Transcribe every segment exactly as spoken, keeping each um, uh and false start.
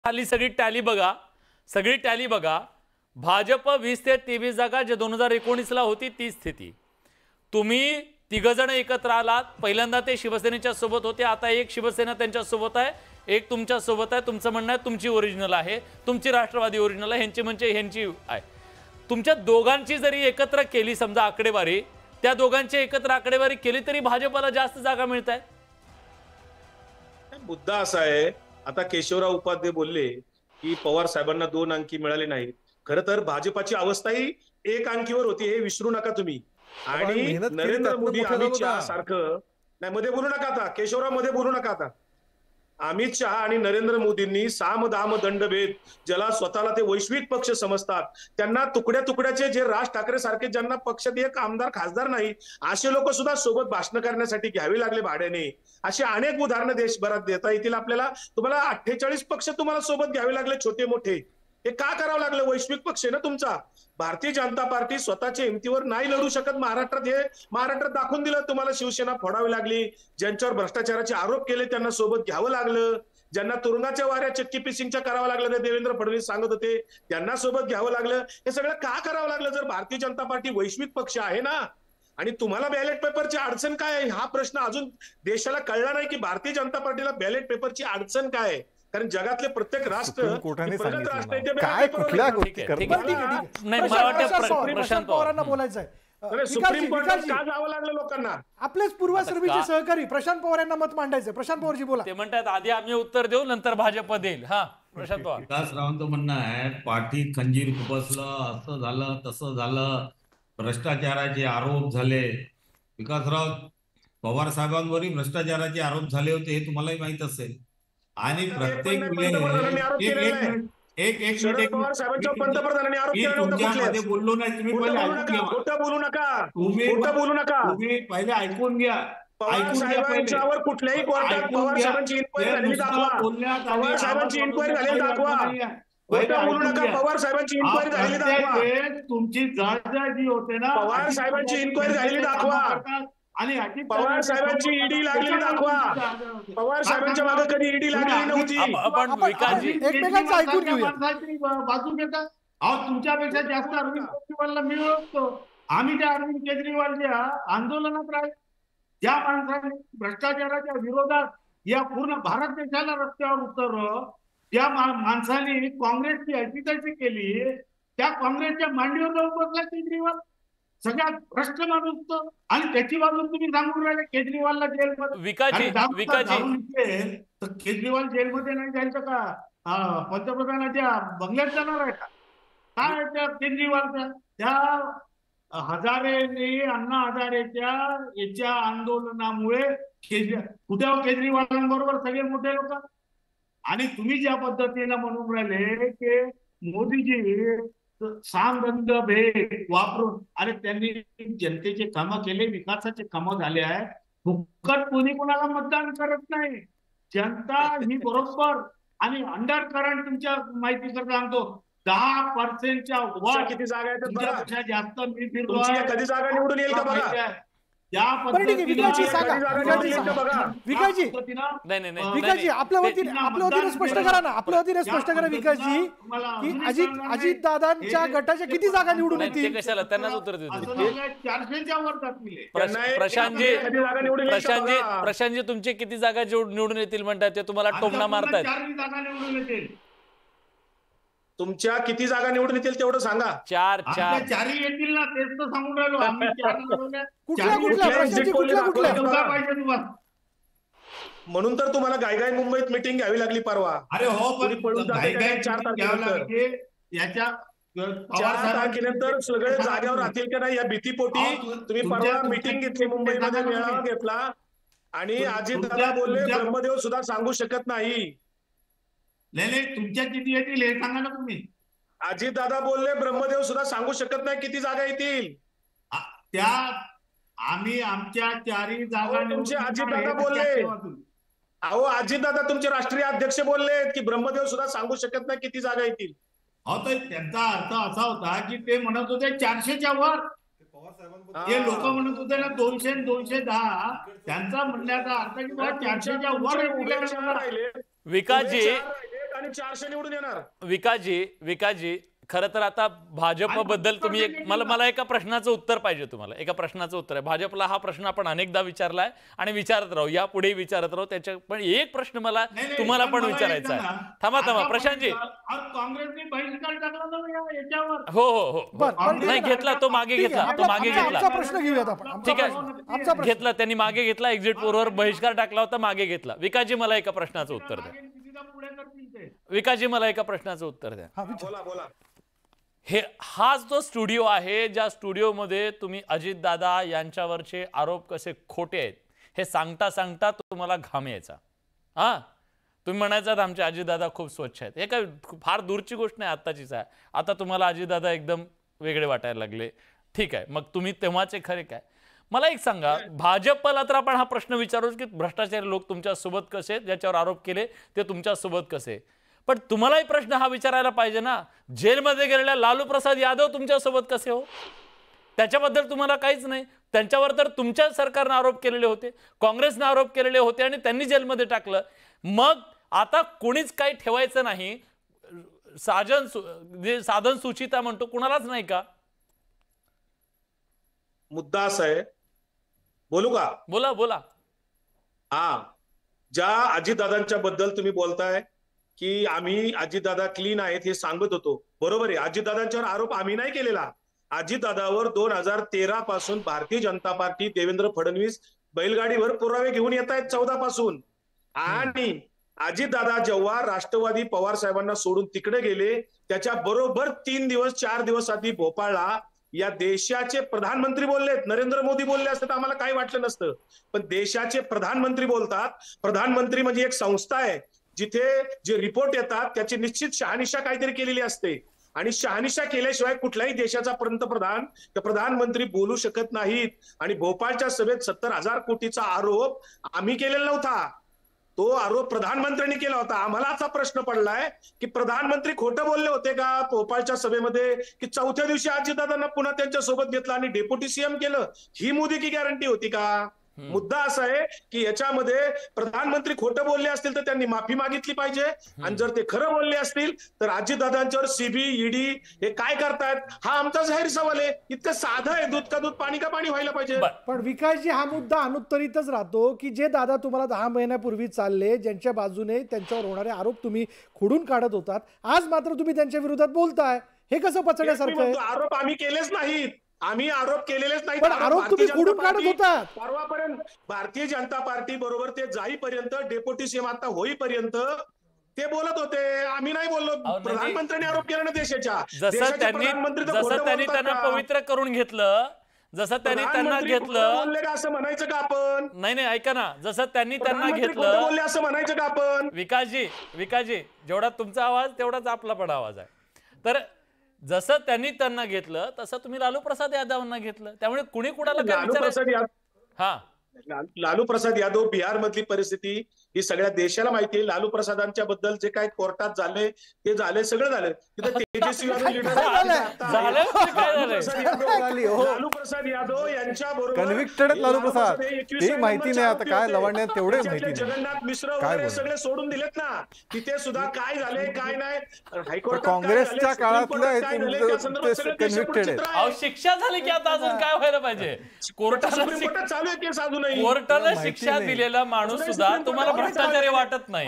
खाली सगळी टॅली बघा, सगळी टॅली बघा. भाजप वीस ते तेवीस जागा जे दोन हजार एकोणीस ला होती ती स्थिती. तुम्ही तिघजण एकत्र आलात. पहिल्यांदा ते शिवसेनेच्या सोबत होते, आता एक शिवसेना त्यांच्या सोबत आहे, एक तुमच्या सोबत आहे. तुमचं म्हणणं आहे तुमची ओरिजिनल आहे, तुमची राष्ट्रवादी ओरिजिनल आहे, ह्यांची म्हणजे ह्यांची आहे. तुमच्या दोघांची जरी एकत्र केली समजा आकडेवारी, त्या दोघांची एकत्र आकडेवारी केली तरी भाजपला जास्त जागा मिळत आहेत. मुद्दा असा आहे, आता केशवराव उपाध्ये बोलले की पवार साहेबांना दोन अंकी मिळाले नाहीत. खरं तर भाजपाची अवस्था ही एक अंकीवर होती, हे विसरू नका तुम्ही. आणि नरेंद्र मोदी अमित शहा सारखं नाही, मध्ये बोलू नका आता केशवराव, मध्ये बोलू नका आता. अमित शहा आणि नरेंद्र मोदींनी साम दाम दंडभेद, ज्याला स्वतःला ते वैश्विक पक्ष समजतात, त्यांना तुकड्या तुकड्याचे जे राज ठाकरे सारखे ज्यांना पक्षात एक आमदार खासदार नाही असे लोक सुद्धा सोबत भाषण करण्यासाठी घ्यावे लागले भाड्याने. अशी अनेक उदाहरणं देशभरात देता येतील आपल्याला. तुम्हाला अठ्ठेचाळीस पक्ष तुम्हाला सोबत घ्यावे लागले, छोटे मोठे. हे का करावं लागलं? वैश्विक पक्ष आहे ना तुमचा. भारतीय जनता पार्टी स्वतःच्या हिमतीवर नाही लढू शकत महाराष्ट्रात, हे महाराष्ट्रात दाखवून दिलं. तुम्हाला शिवसेना फोडावी लागली, ज्यांच्यावर भ्रष्टाचाराचे आरोप केले त्यांना सोबत घ्यावं लागलं, ज्यांना तुरुंगाच्या वाऱ्या चक्की पिसिंगच्या करावं लागलं, ते देवेंद्र फडणवीस सांगत होते, त्यांना सोबत घ्यावं लागलं. हे सगळं का करावं लागलं? जर भारतीय जनता पार्टी वैश्विक पक्ष आहे ना. आणि तुम्हाला बॅलेट पेपरची अडचण काय आहे हा प्रश्न अजून देशाला कळला नाही की भारतीय जनता पार्टीला बॅलेट पेपरची अडचण काय आहे. कारण जगातले प्रत्येक राष्ट्र प्रगत राष्ट्र काय कुठल्या गोष्टी प्रशांत पवारांना बोलायचंय. सुप्रीम कोर्टात का जावं लागलं लोकांना? आपलेच पूर्वसर्वीचे सहकारी प्रशांत पवार यांना मत मांडायचं. प्रशांत पवारजी बोला. ते म्हणतात आधी आम्ही उत्तर देऊ नंतर भाजप देईल. हा प्रशांत पवार. विकासरावांचं म्हणणं आहे पाठीत खंजीर खुपसलं, असं झालं तसं झालं, भ्रष्टाचाराचे आरोप झाले. विकासराव पवार साहेबांवरही भ्रष्टाचाराचे आरोप झाले होते हे तुम्हालाही माहित असेल. आणि प्रत्येक एक एक पवार साहेबांच्या पंतप्रधानांनी आरोप केला होता. तुमच्यामध्ये बोललो नाही, तुम्ही पहिले ऐकून घ्या. खोटं बोलू नका, तुम्ही खोटं बोलू नका. तुम्ही पहिले ऐकून घ्या. पवार साहेबांच्यावर कुठल्याही कोर्टात पवार साहेबांची इन्क्वायरी झालेली दाखवा. पवार साहेबांची इन्क्वायरी झालेली दाखवा. खोटं बोलू नका. पवार साहेबांची इन्क्वायरी झालेली दाखवा. तुमची जबाबदारी जी होते ना, पवार साहेबांची इन्क्वायरी झालेली दाखवा. आणि पवार साहेबांची ईडी लागलेली दाखवा. पवार साहेबांच्या मागे कधी ईडी लागलेली नव्हती. आपण विकासजी एकमेकांचं ऐकून घेऊया. बाजू घेता. अहो तुमच्यापेक्षा जास्त अरविंद केजरीवालला मी ओळखतो. आम्ही त्या अरविंद केजरीवालच्या आंदोलनात राहिले, ज्या माणसाने भ्रष्टाचाराच्या विरोधात या पूर्ण भारत देशाला रस्त्यावर उतरलं, त्या माणसाने काँग्रेसची अजितची केली, त्या काँग्रेसच्या मांडीवर जाऊन बसला केजरीवाल. सगळ्यात भ्रष्ट माणूस तो. आणि त्याची बाजू तुम्ही सांगून राहिले केजरीवालला जेलमध्ये. विकासजी विकासजी तर केजरीवाल जेलमध्ये नाही जायचं का? पंतप्रधानाच्या बंगल्यात जाणार आहे का? काय त्या केजरीवालच्या त्या हजारेने अण्णा हजारेच्या याच्या आंदोलनामुळे कुठे केजरीवालांबरोबर सगळे मोठे लोक. आणि तुम्ही ज्या पद्धतीने म्हणून राहिले की मोदीजी सांगंद भेद वापरून, अरे त्यांनी जनतेचे कामं केले, विकासाचे कामं झाले आहे. फुकट कोणी कोणाला मतदान करत नाही. जनता ही बरोबर. आणि अंडर करंट तुमच्या माहिती करता सांगतो, दहा पर्सेंटच्या वर किती जागा आहेत जास्त मी फिरलो. कधी जागा निवडून येईल का बघा. विकासजी आपल्या वतीने आपल्या वतीने स्पष्ट करा ना, आपल्या वतीने स्पष्ट करा विकासजी की अजित अजित दादांच्या गटाच्या किती जागा निवडून येतील? कशाला त्यांनाच उत्तर देतो. चारशेच्या वर जातील. प्रशांतजी प्रशांतजी प्रशांतजी तुमचे किती जागा निवडून येतील म्हणतात ते तुम्हाला टोमणा मारतायत. चार जागा निवडून येतील. तुमच्या किती जागा निवडून येतील तेवढं सांगा. चार चार चारही येतील ना, तेच तर सांगून राहिलो आम्ही. कुठल्या कुठल्या प्रशांतजी कुठल्या कुठल्या पाहिजे तुम्हाला? म्हणून तर तुम्हाला गायगाय मुंबईत मिटिंग घ्यावी लागली परवा. अरे हो, पण चार तारखेनंतर याच्या चार तारखेनंतर सगळे जागेवर राहतील का नाही या भीतीपोटी तुम्ही परवा मिटिंग घेतली, मुंबईमध्ये मेळावा घेतला. आणि अजितदादा बोलले ब्रह्मदेव सुद्धा सांगू शकत नाही. नाही नाही, तुमच्या किती येतील हे सांगा ना तुम्ही. अजितदादा बोलले ब्रह्मदेव सुद्धा सांगू शकत नाही किती जागा येतील. त्या आम्ही आमच्या चारही जागा तुमचे अजितदादा बोलले. अहो अजितदादा तुमचे राष्ट्रीय अध्यक्ष बोलले की ब्रह्मदेव सुद्धा सांगू शकत नाही किती जागा येतील. हो, तर त्यांचा अर्थ असा होता की ते म्हणत होते चारशेच्या वर. ते लोक म्हणत होते ना दोनशे दोनशे दहा. त्यांचा म्हणण्याचा अर्थ की चारशेच्या वर. विकासजी कारण चारशे निवडून येणार. विकासजी विकासजी खरं तर आता भाजप बद्दल तुम्ही एक मला मला एका प्रश्नाचं उत्तर पाहिजे तुम्हाला एका प्रश्नाचं उत्तर आहे. भाजपला हा प्रश्न आपण अनेकदा विचारलाय आणि विचारत राहू यापुढे विचारत राहू. त्याच्या पण एक प्रश्न मला तुम्हाला पण विचारायचा आहे. थांबा थांबा प्रशांतजी. काँग्रेसने बहिष्कार टाकला ना याच्यावर. हो हो हो नाही घेतला तो मागे घेतला तो मागे घेतला प्रश्न घेऊयात आपण. ठीक आहे घेतला त्यांनी मागे घेतला एक्झिट पोलवर बहिष्कार टाकला होता मागे घेतला. विकासजी मला एका प्रश्नाचं उत्तर द्या. विकासजी मला एका प्रश्नाचं उत्तर द्या. बोला बोला. हे हाच तो स्टुडिओ आहे ज्या स्टुडिओमध्ये तुम्ही अजितदादा यांच्यावरचे आरोप कसे खोटे आहेत हे सांगता सांगता तुम्हाला घाम यायचा. हा तुम्ही म्हणायचात आमचे अजितदादा खूप स्वच्छ आहेत. हे काय फार दूरची गोष्ट नाही आत्ताचीच आहे. आता तुम्हाला अजितदादा एकदम वेगळे वाटायला लागले. ठीक आहे मग तुम्ही तेव्हाचे खरे काय. मला एक सांगा भाजपला तर आपण हा प्रश्न विचारूच की भ्रष्टाचारी लोक तुमच्या सोबत कसे ज्याच्यावर आरोप केले ते तुमच्या सोबत कसे. पण तुम्हालाही प्रश्न हा विचारायला पाहिजे ना जेलमध्ये गेलेल्या लालू प्रसाद यादव तुमच्यासोबत कसे हो. त्याच्याबद्दल तुम्हाला काहीच नाही. त्यांच्यावर तर तुमच्या सरकारने आरोप केलेले होते काँग्रेसने आरोप केलेले होते आणि त्यांनी जेलमध्ये टाकलं. मग आता कोणीच काही ठेवायचं नाही साधन जे साधन सुचिता म्हणतो कुणालाच नाही का. मुद्दा असा आहे बोलू का. बोला बोला. हा ज्या अजितदादांच्या बद्दल तुम्ही बोलताय की आम्ही अजितदादा क्लीन आहेत हे सांगत होतो बरोबर आहे. अजितदादांच्यावर आरोप आम्ही नाही केलेला. अजितदादावर दोन हजार तेरा पासून भारतीय जनता पार्टी देवेंद्र फडणवीस बैलगाडीवर पुरावे घेऊन येत आहेत चौदा पासून. आणि अजितदादा जेव्हा राष्ट्रवादी पवार साहेबांना सोडून तिकडे गेले त्याच्या बरोबर तीन दिवस चार दिवस आधी भोपाळला या देशाचे प्रधानमंत्री बोललेत. नरेंद्र मोदी बोलले असते तर आम्हाला काही वाटलं नसतं. पण देशाचे प्रधानमंत्री बोलतात. प्रधानमंत्री म्हणजे एक संस्था आहे जिथे जे रिपोर्ट येतात त्याची निश्चित शहानिशा काहीतरी केलेली असते आणि शहानिशा केल्याशिवाय कुठल्याही देशाचा पंतप्रधान किंवा प्रधानमंत्री बोलू शकत नाहीत. आणि भोपाळच्या सभेत सत्तर हजार कोटीचा आरोप आम्ही केलेला नव्हता. तो आरोप प्रधानमंत्र्यांनी केला होता. आम्हाला असा प्रश्न पडलाय की प्रधानमंत्री खोटं बोलले होते का भोपाळच्या सभेमध्ये की चौथ्या दिवशी अजितदादांना पुन्हा त्यांच्या सोबत घेतलं आणि डेप्युटी सीएम केलं. ही मोदी की गॅरंटी होती का. मुद्दा असा आहे की याच्यामध्ये प्रधानमंत्री खोटं बोलले असतील तर त्यांनी माफी मागितली पाहिजे आणि जर ते खरं बोलले असतील तर अजितदादांच्यावर सीबी ईडी हे काय करतायत हा आमचा जाहीर सवाल आहे. इतकं साधं आहे दूध का दूध पाणी का पाणी व्हायला पाहिजे. पण विकासजी हा मुद्दा अनुत्तरितच राहतो की जे दादा तुम्हाला दहा महिन्यापूर्वी चालले ज्यांच्या बाजूने त्यांच्यावर होणारे आरोप तुम्ही खोडून काढत होतात आज मात्र तुम्ही त्यांच्या विरोधात बोलताय. हे कसं पचण्यासारखं आहे. आरोप आम्ही केलेच नाहीत. आम्ही आरोप केलेलेच नाही. पण आरोप तुम्ही खोडून काढत होता. परवापर्यंत भारतीय जनता पार्टी बरोबर ते जाईपर्यंत डेप्युटी सीएम आता होईपर्यंत ते बोलत होते. आम्ही नाही बोललो. प्रधानमंत्र्यांनी आरोप केला ना देशाच्या. जसं त्यांनी जसं त्यांनी त्यांना पवित्र करून घेतलं जसं त्यांनी त्यांना घेतलं बोलले का असं म्हणायचं का आपण. नाही नाही ऐका ना जसं त्यांनी त्यांना घेतलं बोलले असं म्हणायचं का आपण. विकासजी विकासजी जेवढा तुमचा आवाज तेवढाच आपला पण आवाज आहे. तर जसं त्यांनी त्यांना घेतलं तसं तुम्ही लालू प्रसाद यादवांना घेतलं. त्यामुळे कुणी कुणाला काय विचारायचं. हा लालू प्रसाद यादव बिहार मधली परिस्थिती ही सगळ्या देशाला माहिती आहे. लालू प्रसादांच्या बद्दल जे काय कोर्टात झाले ते झाले सगळं झालं. तिथे तेजस्वी यादव लीडर लालू प्रसाद यादव यांच्या बरोबर लालू प्रसाद ते माहिती नाही आता काय लवण्यात तेवढे माहिती जगन्नाथ मिश्र वगैरे सगळे सोडून दिलेत ना. तिथे सुद्धा काय झाले काय नाही हायकोर्ट काँग्रेसच्या काळातलं शिक्षा झाली की आता अजून काय व्हायला पाहिजे. कोर्टाला चालू आहे केस अजूनही. कोर्टाला शिक्षा दिलेला माणूस सुद्धा तुम्हाला भ्रष्टाचारी वाटत नाही.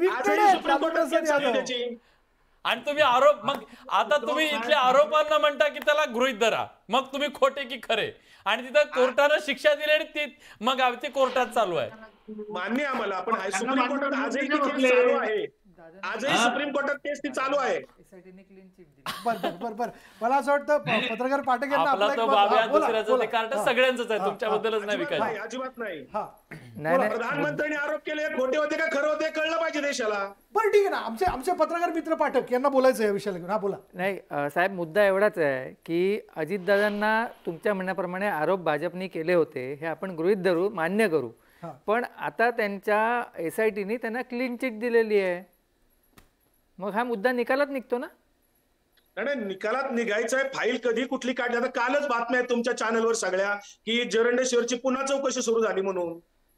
आणि तुम्ही आरोप मग आता तुम्ही इथल्या आरोपांना म्हणता की त्याला गृहीत धरा मग तुम्ही खोटे की खरे आणि तिथं कोर्टानं शिक्षा दिली आणि ती मग ते कोर्टात चालू आहे. मान्य आम्हाला पण सुप्रीम कोर्टात आजही केस चालू आहे. आजही सुप्रीम कोर्टात केस ती चालू आहे. बर बर बर मला असं वाटतं पत्रकार पाठक यांना आपला तो बाब्या दुसऱ्याचं ते कार्ड सगळ्यांचंच आहे तुमच्याबद्दलच नाही विकायचं. अजिबात नाही. नाही प्रधानमंत्र्यांनी आरोप केले खोटे होते का खरं होते कळलं पाहिजे देशाला. बरं ठीक आहे ना. आमचे आमचे पत्रकार मित्र पाठक यांना बोलायचं या विषयाला घेऊन. हा बोला. नाही साहेब मुद्दा एवढाच आहे की अजितदादांना तुमच्या म्हणण्याप्रमाणे आरोप भाजपने केले होते हे आपण गृहीत धरू मान्य करू. पण आता त्यांच्या एस आय टीने त्यांना क्लीन चिट दिलेली आहे. मग हा मुद्दा निकालात निघतो ना. नाही निकालात निघायचं आहे. फाईल कधी कुठली काढली आता कालच बातम्या आहेत तुमच्या चॅनलवर सगळ्या की जरंडेश्वरची पुन्हा चौकशी सुरू झाली म्हणून.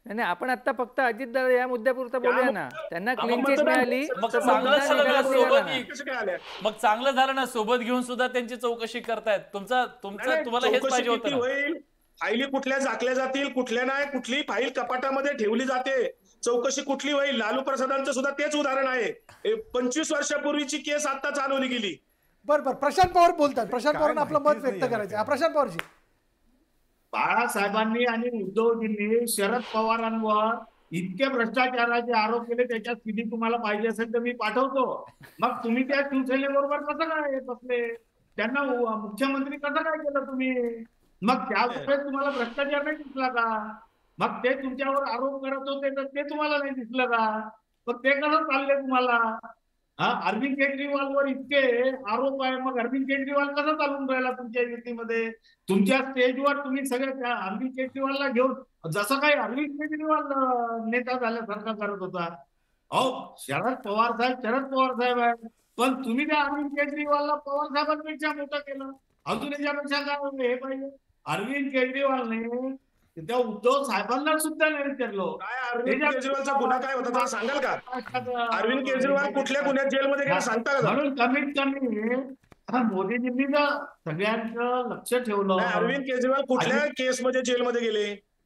नाही नाही, आपण आता फक्त अजितदादा या मुद्द्यापुरता बोलूया ना. त्यांना क्लीन चिट मिळाली मग तर चांगलं मतदान झालं ना, निघालं सोबत ना. ही- कसं काय आल्या मग चांगलं झालं ना, सोबत घेऊन सुद्धा त्यांची चौकशी करतायत. तुमचा तुमचं नाही, तुम्हाला हेच चौकशी पाहिजे होतं किती ना. होईल, फाईली कुठल्या झाकल्या जातील, कुठल्या नाही, कुठली फाईल कपाटामध्ये ठेवली जाते, चौकशी कुठली होईल. लालू प्रसादांचं सुद्धा तेच उदाहरण आहे. ए, पंचवीस वर्षापूर्वीची केस आता चालवली गेली. बरं बरं, प्रशांत पवार बोलतात. प्रशांत काय पवारांना आपलं मत माहितीच व्यक्त नाही करायचं आहे. प्रशांत पवारजी. बाळासाहेबांनी आणि उद्धवजींनी शरद पवारांवर इतके भ्रष्टाचाराचे आरोप केले, त्याच्या स्थिती तुम्हाला पाहिजे असेल तर मी पाठवतो. मग तुम्ही त्या शिवसेनेबरोबर कसं काय बसले, त्यांना उ- मुख्यमंत्री कसं काय केलं तुम्ही? मग त्यावेळेस तुम्हाला भ्रष्टाचार नाही दिसला का? मग ते तुमच्यावर आरोप करत होते तर ते तुम्हाला नाही दिसलं का? मग ते कसं चाललंय तुम्हाला? हा, अरविंद केजरीवालवर इतके आरोप आहे, मग अरविंद केजरीवाल कसं चालून राहिला तुमच्या युतीमध्ये? तुमच्या स्टेजवर तुम्ही सगळे त्या अरविंद केजरीवालला घेऊन जसं काही अरविंद केजरीवाल अं, नेता झाल्यासारखा करत होता. अहो, शरद पवार साहेब शरद पवार साहेब आहे, पण तुम्ही त्या अरविंद केजरीवालला पवार साहेबांपेक्षा मोठं केलं. अजून याच्यापेक्षा काय हे पाहिजे? अरविंद केजरीवालने त्या उद्धव साहेबांना सुद्धा नाही विचारलो. काय अरविंद केजरीवालचा गुन्हा काय होता त्याला सांगाल का? अरविंद केजरीवाल कुठल्या गुन्ह्यात जेलमध्ये गेला सांगता का? म्हणून कमीत कमी आता मोदीजींनी जर सगळ्यांचं लक्ष ठेवलं. नाही, अरविंद केजरीवाल कुठल्या केसमध्ये जेलमध्ये गेले?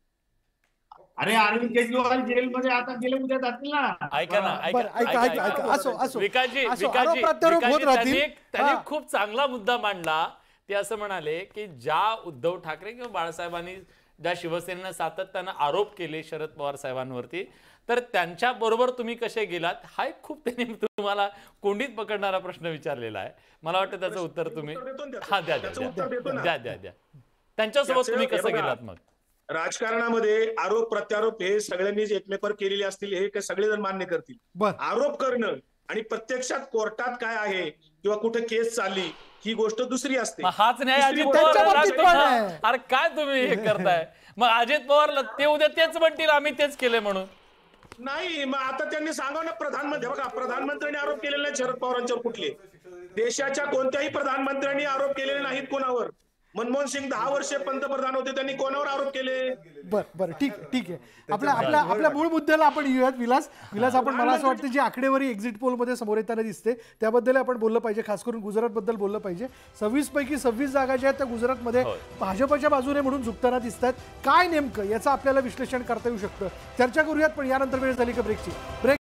अरे अरविंद केजरीवाल जेलमध्ये आता गेले, उद्या जातील ना. ऐका ना, बरं, ऐका ऐका ऐका असो असो विकासजी असो, विकासजी आरोप प्रत्यारोप होत विकासजी, राहतील. त्यांनी त्यांनी हा. खूप चांगला मुद्दा मांडला. ते असं म्हणाले की ज्या उद्धव ठाकरे किंवा बाळासाहेबांनी ज्या शिवसेनेनं सातत्यानं आरोप केले शरद पवार साहेबांवरती, तर त्यांच्या बरोबर तुम्ही कसे गेलात, हा एक खूप त्यांनी तुम्हाला कोंडीत पकडणारा प्रश्न विचारलेला आहे. मला वाटतं त्याचं उत्तर तुम्ही उत्तर देतो ना त्याचं. हा द्या द्या त्याचं उत्तर देतो ना. द्या द्या द्या त्यांच्यासोबत त्याचं- तुम्ही हे कसं बघा, गेलात? मग राजकारणामध्ये आरोप प्रत्यारोप हे सगळ्यांनीच एकमेकावर केलेले असतील, हे काही सगळेजण मान्य करतील. बर आरोप करणं आणि प्रत्यक्षात कोर्टात काय आहे किंवा कुठे केस चालली ही गोष्ट दुसरी असते. मग हाच न्याय तिसरी अजित गोष्ट त्यांच्या पवार बाबतीत पण राज- आहे. अरे काय तुम्ही हे करताय? मग अजित पवारला ते उद्या तेच म्हणतील आम्ही तेच केले म्हणून. नाही, मग आता त्यांनी सांगावं ना, प्रधानमंत्री बघा, प्रधानमंत्र्यांनी आरोप केलेले नाही शरद पवारांच्यावर. कुठले देशाच्या कोणत्याही प्रधानमंत्र्यांनी आरोप केलेले नाहीत कोणावर. मनमोहन सिंग दहा वर्षे पंतप्रधान होते, त्यांनी कोणावर आरोप केले? बर बर ठीक आहे ठीक आहे. आपल्या आपल्या आपल्या मूळ मुद्द्याला आपण येऊयात. विलास विलास आपण मला असं वाटतं जी आकडेवारी एक्झिट पोलमध्ये समोर येताना दिसते त्याबद्दल आपण बोललं पाहिजे. खास करून गुजरातबद्दल बोललं पाहिजे. सव्वीस पैकी सव्वीस जागा ज्या आहेत त्या गुजरातमध्ये भाजपच्या बाजूने म्हणून झुकताना दिसत आहेत. काय नेमकं याचं आपल्याला विश्लेषण करता येऊ शकतं? चर्चा करूयात, पण यानंतर वेळ झाली का ब्रेकची. ब्रेक